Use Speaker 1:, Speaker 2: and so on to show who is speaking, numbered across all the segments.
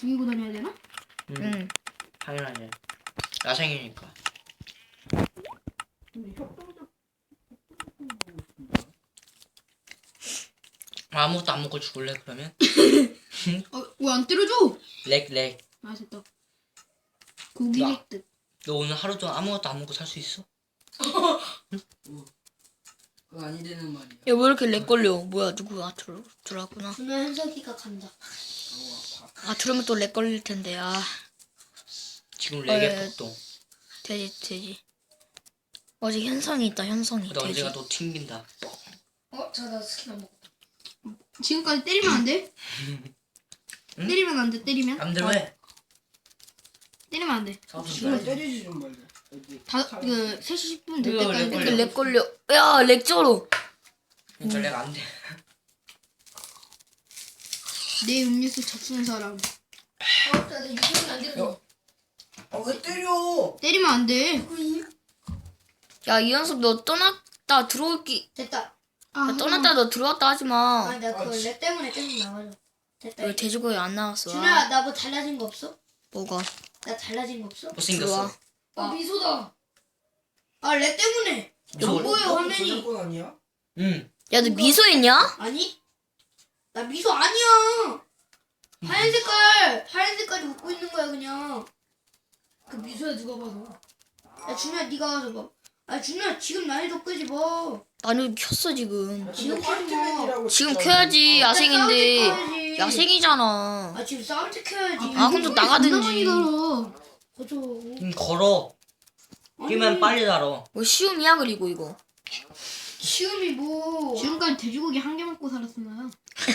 Speaker 1: 죽이고 다녀야 되나?
Speaker 2: 응. 당연하지. 야생이니까.
Speaker 3: 근데 협동적
Speaker 2: 아무것도 안 먹고 죽을래 그러면?
Speaker 1: 왜 안 때려줘?
Speaker 2: 렉.
Speaker 1: 아 됐다. 고기
Speaker 2: 야.
Speaker 1: 획득.
Speaker 2: 너 오늘 하루 동안 아무것도 안 먹고 살 수 있어?
Speaker 3: 그거 아니 되는 말이야.
Speaker 4: 야, 왜 이렇게 렉 걸려? 뭐야, 누구야? 들어왔구나.
Speaker 5: 오늘 현석이가 간다.
Speaker 4: 아, 들으면 또 렉 걸릴 텐데, 아.
Speaker 2: 지금 렉의
Speaker 4: 어,
Speaker 2: 폭동.
Speaker 4: 돼지. 어제 현성이 있다, 현성이.
Speaker 2: 근데
Speaker 4: 돼지.
Speaker 2: 언제가 또 튕긴다.
Speaker 5: 나 스킨 안 먹어.
Speaker 1: 지금까지 때리면 안 돼?
Speaker 2: 응?
Speaker 1: 때리면 안 돼. 때리면?
Speaker 2: 남대로 해.
Speaker 1: 때리면 안 돼.
Speaker 3: 지금 때리지 좀 말자. 여기
Speaker 1: 그 3시 10분 될
Speaker 2: 이거
Speaker 1: 때까지
Speaker 2: 렉
Speaker 4: 이렇게
Speaker 1: 때려.
Speaker 4: 렉 걸려. 야, 렉 쩔어.
Speaker 2: 그러니까 렉 안 돼.
Speaker 1: 내 음료수 접수는 사람.
Speaker 5: 나 유성이 안 되는
Speaker 3: 왜 때려?
Speaker 1: 때리면 안 돼.
Speaker 4: 야, 이현섭 너 떠났다 들어올기.
Speaker 5: 됐다.
Speaker 1: 아,
Speaker 4: 떠났다 너 들어왔다 하지 마.
Speaker 5: 아니 나 그거 렉 때문에 계속 나가려. 됐다.
Speaker 4: 왜 돼지고기 안 나왔어?
Speaker 5: 준호야 나 뭐 달라진 거 없어?
Speaker 4: 뭐가?
Speaker 5: 나 달라진 거 없어?
Speaker 2: 못생겼어.
Speaker 5: 미소다. 아 렉 때문에. 안 보여 화면이.
Speaker 3: 저작권 아니야?
Speaker 2: 응.
Speaker 4: 야, 너 미소 있냐?
Speaker 5: 아니? 나 미소 아니야. 하얀 색깔이 웃고 있는 거야 그냥. 그 미소야 누가 봐도. 야 준호야 네가 와서 봐. 아 준호야 지금 난이도 끄지 마.
Speaker 4: 나는 켰어 지금.
Speaker 5: 지금
Speaker 3: 화이트맨이라고
Speaker 4: 지금
Speaker 3: 진짜.
Speaker 4: 켜야지. 야생인데.
Speaker 5: 켜야지.
Speaker 4: 야생이잖아.
Speaker 5: 아 지금 싸울 때 켜야지.
Speaker 4: 아, 그럼 또 나가든지.
Speaker 5: 거저.
Speaker 2: 걸어. 뛰면 빨리 달어.
Speaker 4: 뭐 시움이야 그리고 이거.
Speaker 5: 시음이 뭐.
Speaker 1: 지금까지 돼지고기 한 개 먹고 살았었나요?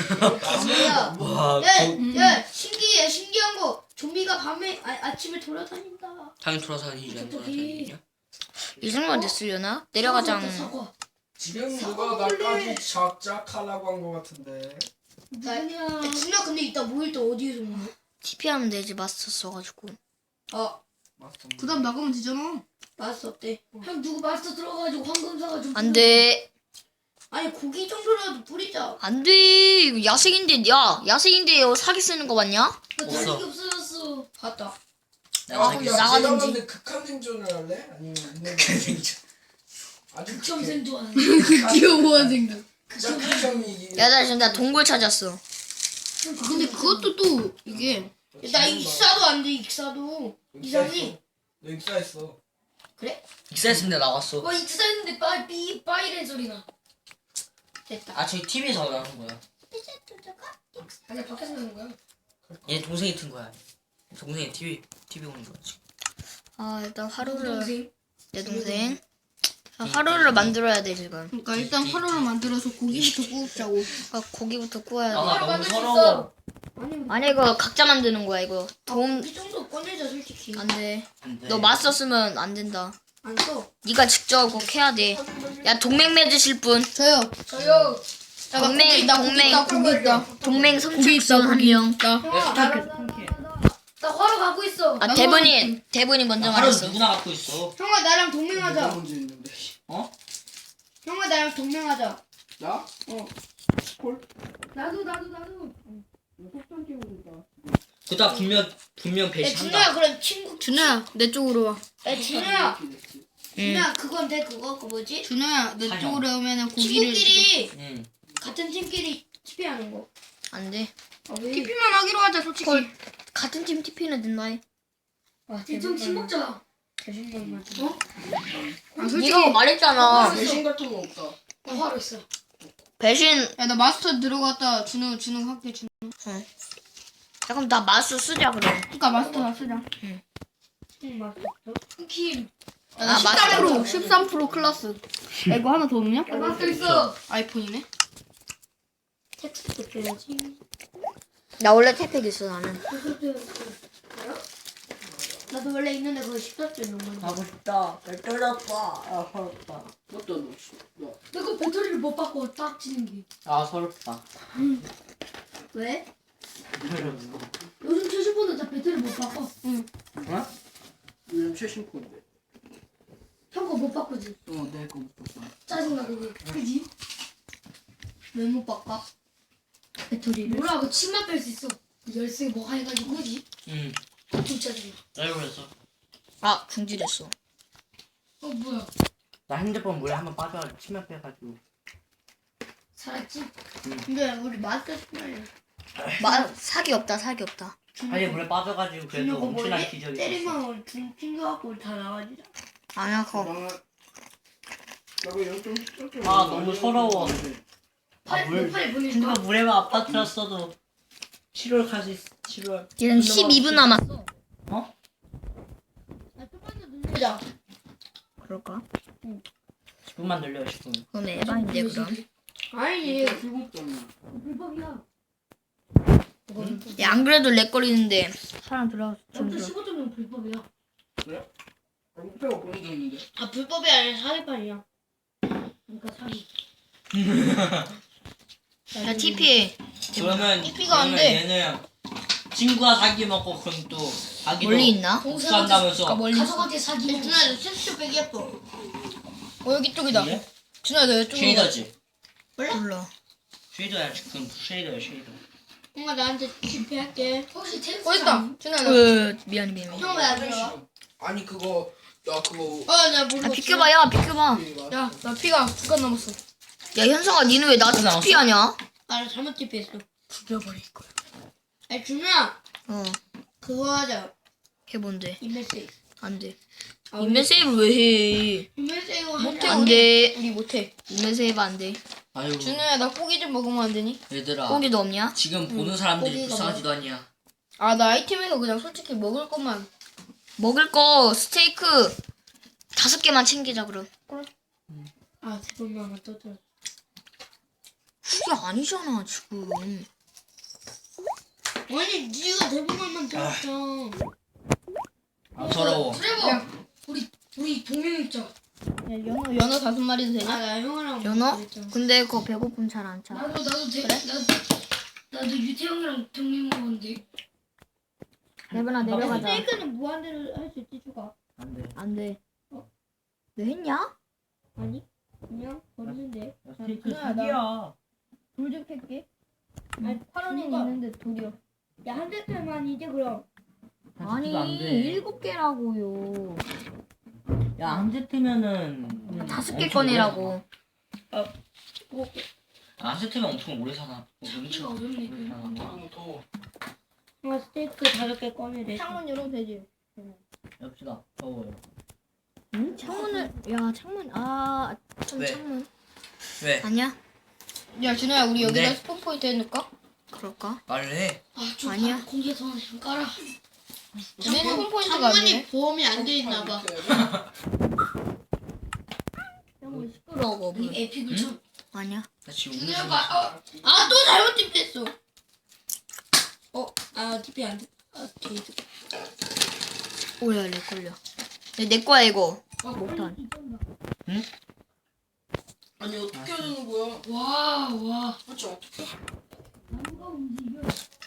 Speaker 5: 뭐야.
Speaker 2: 와.
Speaker 5: 야 신기해 신기한 거. 좀비가 밤에 아침에 돌아다닌다.
Speaker 2: 당연히 돌아다니지 않 돌아다니냐?
Speaker 4: 이 정도만 됐으려나? 내려가장.
Speaker 5: 사과.
Speaker 3: 지금 누가 나까지 작작하려고 한 거 같은데.
Speaker 5: 야 준아 근데 이따 모일 때 어디에서 모여?
Speaker 4: TP 하면 되지 마스터 써가지고.
Speaker 5: 아
Speaker 3: 마스터.
Speaker 1: 그 다음 나가면 되잖아.
Speaker 5: 마스터 없대. 형 누구 마스터 들어가가지고 황금 사가지고.
Speaker 4: 안 돼.
Speaker 5: 아니 고기 정도라도 뿌리자.
Speaker 4: 안 돼. 이거 야생인데, 야, 야생인데 이거 사기 쓰는 거 맞냐?
Speaker 2: 없어.
Speaker 5: 없어졌어. 봤다.
Speaker 2: 내가
Speaker 4: 그럼
Speaker 2: 사귀었어.
Speaker 4: 나가든지.
Speaker 3: 근데 극한 생존을 할래? 아니면 있는 아주
Speaker 5: 극점 생존.
Speaker 1: 귀여워 생각.
Speaker 3: 극적 극점이.
Speaker 4: 야, 나 지금 나 동굴 찾았어.
Speaker 1: 근데 그것도 또 이게
Speaker 5: 나 익사도 안 돼 익사도. 이상해.
Speaker 3: 너 익사했어.
Speaker 5: 그래?
Speaker 2: 익사했습니다 나왔어.
Speaker 5: 익사했는데 빠이렌 소리 나. 됐다.
Speaker 2: 아 저기 TV에서 나오는 거야.
Speaker 5: 아니 밖에서 나는 거야.
Speaker 2: 얘 동생이 튼 거야. 동생이 TV 보는 거야 지금.
Speaker 4: 아, 일단 하루를.
Speaker 5: 동생.
Speaker 4: 내 동생. 아, 하루를 만들어야 돼, 지금.
Speaker 1: 그러니까 일단 화로를 만들어서 고기부터 구우자고.
Speaker 4: 아, 고기부터 구워야 돼.
Speaker 2: 아 너무
Speaker 5: 만들 수
Speaker 2: 서러워.
Speaker 4: 아니, 이거 각자 만드는 거야, 이거. 도움,
Speaker 5: 이 정도 꺼내자 솔직히.
Speaker 4: 안 돼.
Speaker 2: 안 돼.
Speaker 4: 너 마스터 쓰면 안 된다.
Speaker 5: 안 써.
Speaker 4: 네가 직접 꼭 해야 돼. 야, 동맹 맺으실 분.
Speaker 1: 저요.
Speaker 5: 저요.
Speaker 1: 야, 나
Speaker 4: 동맹,
Speaker 1: 고기 있다, 고기
Speaker 4: 동맹.
Speaker 1: 있다, 고기 있다.
Speaker 4: 동맹
Speaker 1: 고기
Speaker 4: 선착순
Speaker 1: 있다,
Speaker 4: 한
Speaker 1: 고기
Speaker 4: 명.
Speaker 1: 있다.
Speaker 5: 형아 나 화로 가고 있어.
Speaker 4: 아, 대본이 먼저
Speaker 2: 하루
Speaker 4: 말했어.
Speaker 2: 누구나 갖고 있어.
Speaker 5: 형아 나랑
Speaker 3: 내가
Speaker 5: 동맹하자.
Speaker 3: 문제 있는데.
Speaker 2: 어?
Speaker 5: 형아 나랑 동맹하자.
Speaker 3: 나?
Speaker 5: 어.
Speaker 3: 콜?
Speaker 5: 나도.
Speaker 3: 속상 깨우니까.
Speaker 2: 그다 분명
Speaker 5: 야
Speaker 2: 배신한다.
Speaker 5: 준호야 그럼 친구.
Speaker 1: 준호야, 내 쪽으로 와.
Speaker 5: 야 준호야.
Speaker 4: 응.
Speaker 5: 준호야 그건 돼 그거 그 뭐지?
Speaker 1: 준호야, 내
Speaker 2: 사정.
Speaker 1: 쪽으로 오면은 고기를.
Speaker 5: 친구끼리
Speaker 2: 응.
Speaker 5: 같은 팀끼리 TP하는 거.
Speaker 4: 안 돼.
Speaker 5: 아 왜?
Speaker 1: TP만 하기로 하자, 솔직히.
Speaker 4: 헐. 같은 팀 TP는 된다 해.
Speaker 5: 대충 팀 먹자.
Speaker 1: 아,
Speaker 4: 네가
Speaker 1: 솔직히.
Speaker 4: 말했잖아.
Speaker 3: 배신 같은 거 없다.
Speaker 5: 나 화로 있어.
Speaker 4: 배신.
Speaker 1: 야, 나 마스터 들어갔다. 준호 할게, 준호.
Speaker 4: 야, 그럼 나 마스터 쓰자, 그럼.
Speaker 1: 그니까 마스터 다 쓰자.
Speaker 5: 팀 맞어. 팀.
Speaker 1: 야, 나
Speaker 4: 아,
Speaker 1: 13%, 13% 클라스. 야, 이거 하나 더 없냐?
Speaker 5: 야 맞어 있어.
Speaker 1: 아이폰이네.
Speaker 5: 텍스트 줘야지.
Speaker 4: 나 원래 태팩 있어, 나는.
Speaker 5: 나도 원래 있는데 그거 14줄 넘는 거.
Speaker 2: 가고 싶다. 떨렸다. 아 서럽다.
Speaker 3: 어떤 너? 너.
Speaker 5: 내가 배터리를 못 바꿔 딱 치는 게.
Speaker 2: 아 서럽다.
Speaker 5: 왜? 요즘 최신 폰은 다 배터리 못 바꿔.
Speaker 2: 어?
Speaker 3: 요즘 최신 폰인데.
Speaker 5: 형 거 못 바꾸지.
Speaker 3: 내거 못 봤어.
Speaker 5: 짜증나 그게. 그지? 왜 못 바꿔? 배터리를? 몰라 그 침만 뺄 수 있어. 열쇠 뭐가 해가지고 그지?
Speaker 2: 응.
Speaker 5: 진짜 좋아.
Speaker 2: 나 그랬어.
Speaker 4: 아 중지됐어.
Speaker 5: 뭐야?
Speaker 2: 나 핸드폰 물에 한번 빠져가지고 치면 빼가지고.
Speaker 5: 살았지?
Speaker 1: 근데 우리 마스크 스멜.
Speaker 4: 사기 없다 사기 없다.
Speaker 2: 아니 물에 빠져가지고 그래도
Speaker 1: 준혁아
Speaker 2: 엄청난
Speaker 1: 뭐지?
Speaker 2: 기적이 있었어.
Speaker 1: 때리면 준 튕겨갖고 다 나가지잖아.
Speaker 4: 아니야 그거
Speaker 3: 나그 영점
Speaker 2: 아, 너무 서러워. 물
Speaker 5: 팔 보내줘.
Speaker 2: 핸드폰 물에만 안 빠뜨렸어도 7월 갈 수 있어. 7월.
Speaker 4: 얘는 12분 남았어.
Speaker 2: 어?
Speaker 1: 보자.
Speaker 4: 그럴까?
Speaker 2: 10분만 늘려 10분.
Speaker 4: 그럼 에바인데 그럼.
Speaker 1: 아니
Speaker 3: 불법잖아.
Speaker 5: 불법이야.
Speaker 4: 야, 안 그래도 렉거리는데 사람 들어가서 좀
Speaker 5: 영점
Speaker 4: 들어.
Speaker 5: 15점은 불법이야.
Speaker 3: 그래? 목표가 보내줬는데.
Speaker 1: 아 불법이 아니라 사기판이야.
Speaker 5: 그러니까 사기.
Speaker 4: 야 TP
Speaker 2: 그러면
Speaker 4: TP가 안
Speaker 2: 그러면
Speaker 4: 돼.
Speaker 2: 얘는 친구가 사기 먹고 그럼 또 자기도
Speaker 4: 멀리 있나?
Speaker 2: 복수한다면서.
Speaker 4: 멀리 있어.
Speaker 5: 가족한테 사기.
Speaker 1: 준아 너 슈슈 빼기 예뻐.
Speaker 4: 여기 쪽이다.
Speaker 2: 이게?
Speaker 4: 준아 너 이쪽으로 가.
Speaker 2: 쉐이더지.
Speaker 4: 몰라.
Speaker 2: 쉐이더야 지금 쉐이더야 쉐이더.
Speaker 1: 형아 나한테 실패할게.
Speaker 5: 혹시 텐스
Speaker 1: 있다. 준아 나.
Speaker 4: 미안해 미안해.
Speaker 1: 형 왜 안 들어와?
Speaker 3: 아니 그거 야 그거
Speaker 1: 어나 모르고.
Speaker 4: 아 비켜봐 야 비켜봐.
Speaker 1: 야나 피가 9간 남았어.
Speaker 4: 야 현성아 니는 왜 나한테
Speaker 2: 나왔어?
Speaker 4: TP 하냐?
Speaker 1: 나 잘못 TP했어.
Speaker 4: 죽여버릴 거야.
Speaker 1: 아니 준아
Speaker 4: 어
Speaker 1: 그거 하자.
Speaker 4: 해본데
Speaker 1: 인벤세이.
Speaker 4: 안 돼.
Speaker 1: 아,
Speaker 4: 인벤 세이브 왜 해?
Speaker 1: 인벤세이
Speaker 4: 못해
Speaker 1: 하자.
Speaker 4: 안 돼.
Speaker 1: 우리 못해.
Speaker 4: 인벤 세이브 안 돼.
Speaker 2: 아유
Speaker 1: 준우야 나 고기 좀 먹으면 안 되니?
Speaker 2: 얘들아
Speaker 4: 고기도 없냐?
Speaker 2: 지금 보는 사람들이
Speaker 1: 고기가
Speaker 2: 불쌍하지도 않냐.
Speaker 1: 아 나 아이템에서 그냥 솔직히 먹을 것만.
Speaker 4: 먹을 거 스테이크 5개만 챙기자 그럼.
Speaker 1: 아 대본만 떠들어.
Speaker 4: 그게 아니잖아 지금.
Speaker 1: 아니 네가 대본만 떠들었잖아.
Speaker 2: 아 서러워.
Speaker 5: 트레버. 우리 동맹 있자.
Speaker 1: 야 연어 5마리도 되냐? 아나 형이랑
Speaker 4: 연어?
Speaker 1: 그랬잖아.
Speaker 4: 근데 그거 배고픔 잘 안 차.
Speaker 5: 나도 나도 유태형이랑 동맹 먹었는데.
Speaker 4: 레벨아 내려가자.
Speaker 1: 스테이크는 무한대로 할 수 있지 추가.
Speaker 2: 안 돼.
Speaker 4: 안 돼. 너 했냐?
Speaker 1: 아니 그냥 버리는데.
Speaker 2: 야, 스테이크
Speaker 1: 준우야, 나
Speaker 2: 사기야.
Speaker 1: 돌 좀 캘게.
Speaker 5: 아니
Speaker 1: 8원이 있는데 돌이요. 야한 대짜만 이제 그럼.
Speaker 4: 아니
Speaker 2: 안 돼.
Speaker 4: 7개라고요.
Speaker 2: 야, 한 세트면은
Speaker 4: 5개 꺼내라고.
Speaker 2: 한 세트면 엄청 오래 사나.
Speaker 5: 이거 어렵네.
Speaker 2: 오래 사나.
Speaker 3: 너무 더워.
Speaker 1: 아 스테이크 5개 꺼내래.
Speaker 5: 창문 열어도 되지.
Speaker 2: 엽시다. 더워요.
Speaker 4: 응? 창문을 창문 좀
Speaker 2: 왜?
Speaker 4: 창문.
Speaker 2: 왜?
Speaker 4: 아니야?
Speaker 1: 야 준호야 우리 여기다
Speaker 2: 네.
Speaker 1: 스폰 포인트 해놓을까?
Speaker 4: 그럴까?
Speaker 2: 말을 해.
Speaker 5: 아좀
Speaker 4: 아니야.
Speaker 5: 공기에서 좀 깔아.
Speaker 1: 우리는 스폰 포인트가 안 되네. 보험이 안 돼 있나 봐.
Speaker 4: 너무 시끄러워.
Speaker 5: 이 에픽을 좀.
Speaker 4: 아니야.
Speaker 2: 나 지금 우는
Speaker 5: 준호가
Speaker 2: 중.
Speaker 1: 아 또 잘못 TP했어. 아 TP 안 돼. 아 게이드.
Speaker 4: 오야 내 걸려. 내 거야 이거.
Speaker 5: 못한.
Speaker 3: 아니 어떻게 하는 거야?
Speaker 5: 와.
Speaker 3: 도대체 어떻게?
Speaker 5: 나무가 움직여.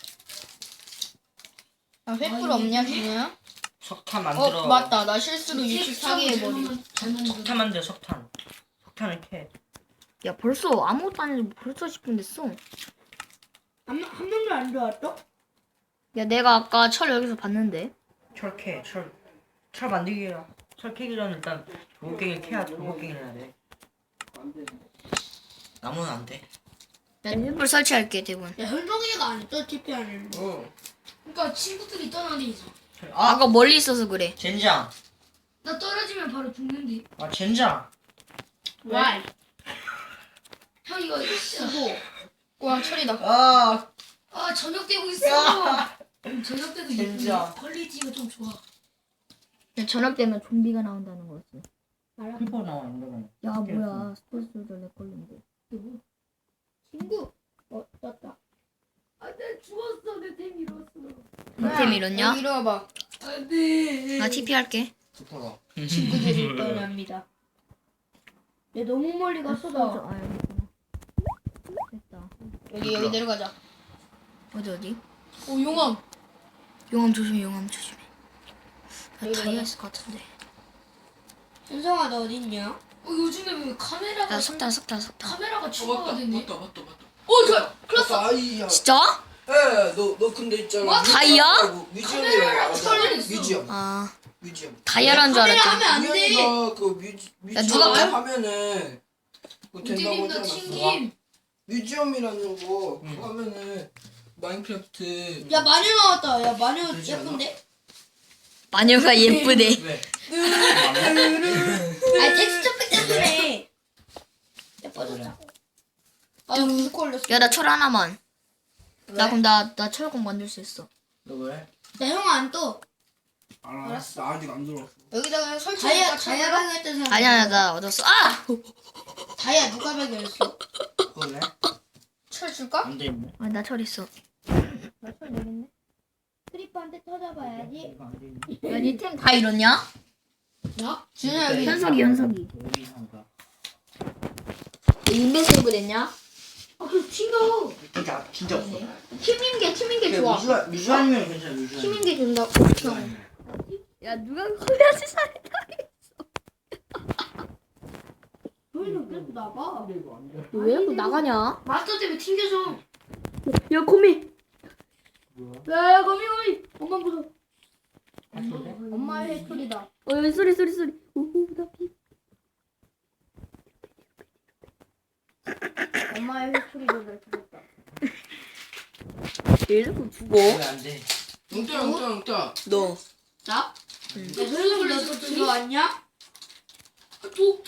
Speaker 1: 아 횃불 없냐 준호야?
Speaker 2: 석탄 만들어.
Speaker 1: 맞다 나 실수로 64개 해버리.
Speaker 5: 잘 만들어.
Speaker 2: 석탄 만들어 석탄. 석탄을 캐.
Speaker 4: 야 벌써 아무것도 안 해도 벌써 10분 됐어.
Speaker 1: 한 명도 안 들어왔어?
Speaker 4: 야 내가 아까 철 여기서 봤는데.
Speaker 2: 철 캐. 철 만들기가. 철 캐기 전에 일단 돌고갱이를 캐야 돌고갱이를 해야 돼.
Speaker 3: 안 돼.
Speaker 2: 나무는 안 돼.
Speaker 4: 야 횃불 설치할게 대군.
Speaker 1: 야 현동이가 안 했어 TP 안 했는데.
Speaker 5: 그러니까 친구들이 떠나는 있어.
Speaker 4: 아까 멀리 있어서 그래.
Speaker 2: 젠장.
Speaker 5: 나 떨어지면 바로 죽는데.
Speaker 2: 아 젠장.
Speaker 1: 와.
Speaker 5: 형 이거 쓰고.
Speaker 1: 와 철이다.
Speaker 2: 아
Speaker 5: 아 저녁 되고 있어. 저녁 때도
Speaker 2: 진짜.
Speaker 5: 예쁜데 퀄리티가 좀 좋아.
Speaker 4: 야, 저녁 되면 좀비가 나온다는 거였어.
Speaker 2: 크리퍼 나와 인더만.
Speaker 4: 야 뭐야 스포츠도 내 걸린데.
Speaker 1: 친구. 떴다.
Speaker 5: 아내 죽었어. 내 템 잃었어.
Speaker 4: 템 잃었냐?
Speaker 1: 여기 이리 와봐.
Speaker 5: 안돼.
Speaker 4: 나 TP 할게.
Speaker 3: 좋더라.
Speaker 1: 친구들이 떠납니다. 얘 너무 멀리 갔어 나.
Speaker 4: 아 여기 있구나. 됐다.
Speaker 1: 여기 내려가자.
Speaker 4: 어디?
Speaker 1: 오 용암.
Speaker 4: 용암 조심해 용암 조심해. 나
Speaker 1: 여기
Speaker 4: 다이아
Speaker 1: 가자.
Speaker 4: 있을 것 같은데.
Speaker 1: 현성아 너 어디 있냐?
Speaker 5: 요즘에 왜 카메라가
Speaker 4: 나 석탄.
Speaker 5: 카메라가
Speaker 3: 맞다
Speaker 5: 추가가 됐네.
Speaker 3: 맞다.
Speaker 5: 어 저.
Speaker 3: 맞다 아이야.
Speaker 4: 진짜?
Speaker 3: 너 근데 있잖아.
Speaker 5: 뭐?
Speaker 4: 다이아?
Speaker 3: 뮤지엄이라고
Speaker 5: 카메라랑
Speaker 3: 알아.
Speaker 5: 있어.
Speaker 3: 뮤지엄.
Speaker 4: 아
Speaker 3: 뮤지엄.
Speaker 4: 다이아라는 줄
Speaker 5: 카메라
Speaker 4: 알았지.
Speaker 5: 하면 안 돼.
Speaker 3: 우연이가 그
Speaker 4: 야, 누가
Speaker 3: 뮤지엄 하면은 그거 된다고
Speaker 5: 우디님도
Speaker 3: 하지 않았어?
Speaker 5: 튕김.
Speaker 3: 뮤지엄이라는 거 그거 하면은 마인크래프트.
Speaker 5: 야 마녀 나왔다. 야 마녀
Speaker 3: 되지 않아?
Speaker 5: 예쁜데?
Speaker 4: 마녀가 예쁘네.
Speaker 2: 왜?
Speaker 5: 아 텍스처 팩 때문에 예뻐졌다. 아 무슨 걸렸어?
Speaker 4: 야 나 철 하나만. 나 그럼 나 철공 만들 수 있어.
Speaker 3: 너 왜?
Speaker 5: 나 형 안 떠.
Speaker 3: 알았어. 나 아직 안 들어왔어.
Speaker 5: 여기다가 그냥 설치. 다이아 발견했던 사람.
Speaker 4: 아니야 나 얻었어. 아!
Speaker 5: 다이아 누가 발견했어?
Speaker 3: 그래?
Speaker 5: 철 줄까?
Speaker 3: 안 되네.
Speaker 4: 아, 나 철 있어.
Speaker 1: 나철 되겠네. 크리퍼한테 터져봐야지.
Speaker 3: 이거 안 되네.
Speaker 4: 야 니 템 다 잃었냐?
Speaker 5: 나? 준아 여기.
Speaker 4: 현석이.
Speaker 3: 여기 한가.
Speaker 4: 인벤세이브 됐냐?
Speaker 5: 아 그럼 튕겨.
Speaker 3: 진짜 없어.
Speaker 5: 팀인 게 좋아.
Speaker 3: 뮤지엄이면 괜찮아. 뮤지엄.
Speaker 5: 팀인 게 준다.
Speaker 4: 야 누가 그래야지 살.
Speaker 5: 너희는 계속 나가.
Speaker 4: 왜 자꾸 나가냐?
Speaker 5: 마스터 때문에 튕겨져.
Speaker 4: 야 거미.
Speaker 5: 야 거미. 엄마 무서워.
Speaker 1: 엄마의 해초리다.
Speaker 4: 여기 소리. 오호 나 피.
Speaker 1: 엄마의 해초리도 잘 죽었다.
Speaker 4: 얘 자꾸 죽어.
Speaker 3: 왜안 돼? 웅따.
Speaker 4: 너.
Speaker 5: 나? 야 너희들 너도 들어왔냐? 독.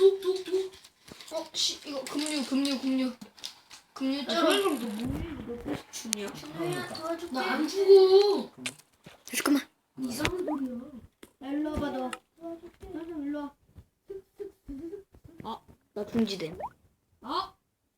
Speaker 5: 이거 금류 쩔어.
Speaker 1: 너뭐 계속 죽냐?
Speaker 5: 준호야 도와줄게. 나 안 죽어.
Speaker 4: 잠깐만.
Speaker 5: 이상한 소리야.
Speaker 1: 야, 일로 와봐 너. 도와줄게. 너 일로 와.
Speaker 4: 나 중지됨.
Speaker 5: 아?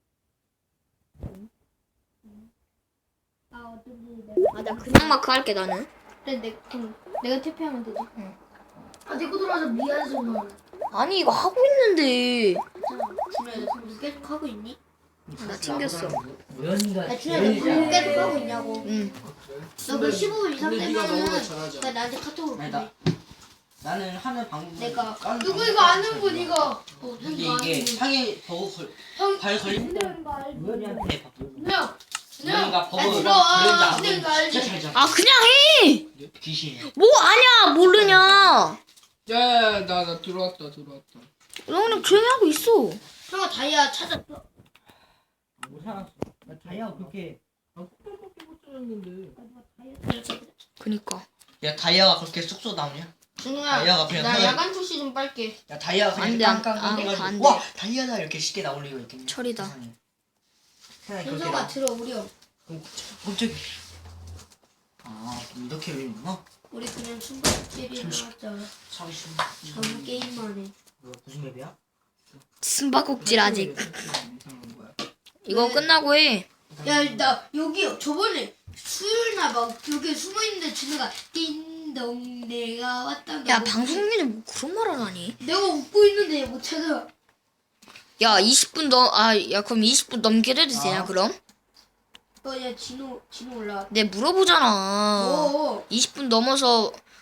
Speaker 1: 아 어쩐지
Speaker 4: 아 나 그냥 마크 할게 나는.
Speaker 1: 그럼 내가 TP하면 되지.
Speaker 5: 아 내거 들어와서 미안해 정말.
Speaker 4: 아니 이거 하고 있는데.
Speaker 5: 준호야 너 공부 계속 하고 있니?
Speaker 4: 나 튕겼어.
Speaker 3: 우연이가.
Speaker 5: 야 준호야 너 공부 계속 하고 있냐고.
Speaker 4: 응.
Speaker 5: 너 그 15분 이상
Speaker 3: 근데 네가 너보다
Speaker 5: 되면은
Speaker 3: 잘하잖아.
Speaker 5: 나 나한테 카톡으로
Speaker 2: 아니,
Speaker 5: 보내.
Speaker 2: 나는 하는 방법.
Speaker 5: 내가 누구 이거 아는 분 이거.
Speaker 2: 근데
Speaker 5: 누구
Speaker 2: 이게
Speaker 5: 아는 분.
Speaker 2: 상해 버그
Speaker 5: 형
Speaker 2: 발 걸린
Speaker 1: 그런 거 알지?
Speaker 2: 우연이한테
Speaker 5: 준호야.
Speaker 2: 우연이가 버그
Speaker 5: 들어와.
Speaker 2: 걸린지
Speaker 5: 이거
Speaker 2: 안
Speaker 5: 알지?
Speaker 2: 진짜 잘 잡아.
Speaker 4: 아 그냥 해.
Speaker 2: 귀신이야.
Speaker 4: 뭐 아냐 모르냐.
Speaker 3: 야, 나 들어왔다.
Speaker 4: 너 그냥 조용히 하고 있어.
Speaker 5: 형아 다이아 찾았어.
Speaker 2: 못 살았어. 나 다이아 그렇게.
Speaker 4: 그니까.
Speaker 2: 야 다이아가 그렇게 쑥쑥 나오냐?
Speaker 5: 준호야
Speaker 2: 다이아가 그냥
Speaker 5: 나
Speaker 2: 하나-
Speaker 5: 야간 투시 좀 빨게.
Speaker 2: 야 다이아가
Speaker 4: 안
Speaker 2: 그냥
Speaker 4: 돼, 안
Speaker 2: 깡깡깡
Speaker 4: 돼.
Speaker 2: 해가지고 와 다이아다 이렇게 쉽게 나올 리가 있겠냐?
Speaker 4: 철이다.
Speaker 2: 세상에. 세상에 그렇게
Speaker 5: 준호가
Speaker 2: 나와.
Speaker 5: 들어오렴.
Speaker 2: 그럼 갑자기 좀 이렇게 외우나?
Speaker 5: 우리 그냥 숨바꼭질이나 하자.
Speaker 2: 사기 싫어.
Speaker 5: 아무 게임만 해.
Speaker 2: 뭐야 무슨 맵이야?
Speaker 4: 숨바꼭질 아직.
Speaker 2: 이상한 거야.
Speaker 4: 이거 끝나고 해.
Speaker 5: 야, 나 여기 저번에 수요일날 막 여기 숨어 있는데 준호가 띵동 내가 왔다.
Speaker 4: 야 방송 중에 뭐 그런 말을 하니?
Speaker 5: 내가 웃고 있는데 얘 못 찾아.
Speaker 4: 야 20분 야 그럼 20분 넘게 해도 되냐 그럼?
Speaker 5: 야 진호 올라.
Speaker 4: 내 물어보잖아.
Speaker 5: 20분
Speaker 4: 20분 넘어서